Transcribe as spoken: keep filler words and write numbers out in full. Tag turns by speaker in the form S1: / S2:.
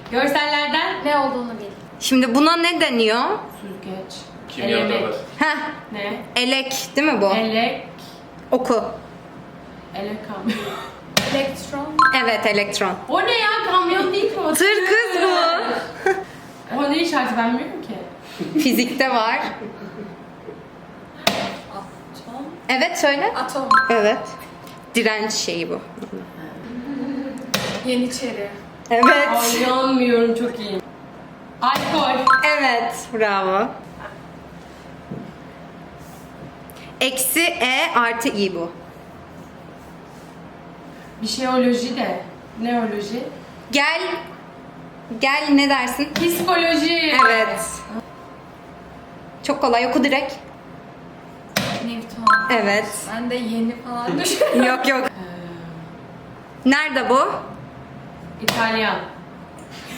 S1: Görsellerden
S2: Ne olduğunu bil.
S3: Şimdi buna ne deniyor?
S1: süzgeç.
S4: Kimyada
S1: Elemek.
S4: var.
S3: Heh,
S1: Ne?
S3: elek değil mi bu?
S1: Elek.
S3: Oku.
S1: Elek kamyon.
S2: Elektron.
S3: Evet, elektron.
S1: O ne ya? Kamyon değil ki o.
S3: Tır kız bu.
S1: O ne işareti ben bilmiyorum ki.
S3: Fizikte var.
S2: Atom.
S3: Evet, söyle.
S2: Atom.
S3: Evet. Direnç şeyi bu.
S2: Yeniçeri.
S3: Evet.
S1: Ay inanmıyorum, çok iyi. Alkol.
S3: Evet, bravo. Eksi E artı I bu.
S1: Bir şeyoloji de. Neoloji.
S3: Gel, gel ne dersin?
S1: Psikoloji.
S3: Evet. Çok kolay, oku direkt.
S2: Newton.
S3: Evet.
S2: Ben de yeni falan düşünüyorum.
S3: Yok yok. Nerede bu?
S1: İtalyan.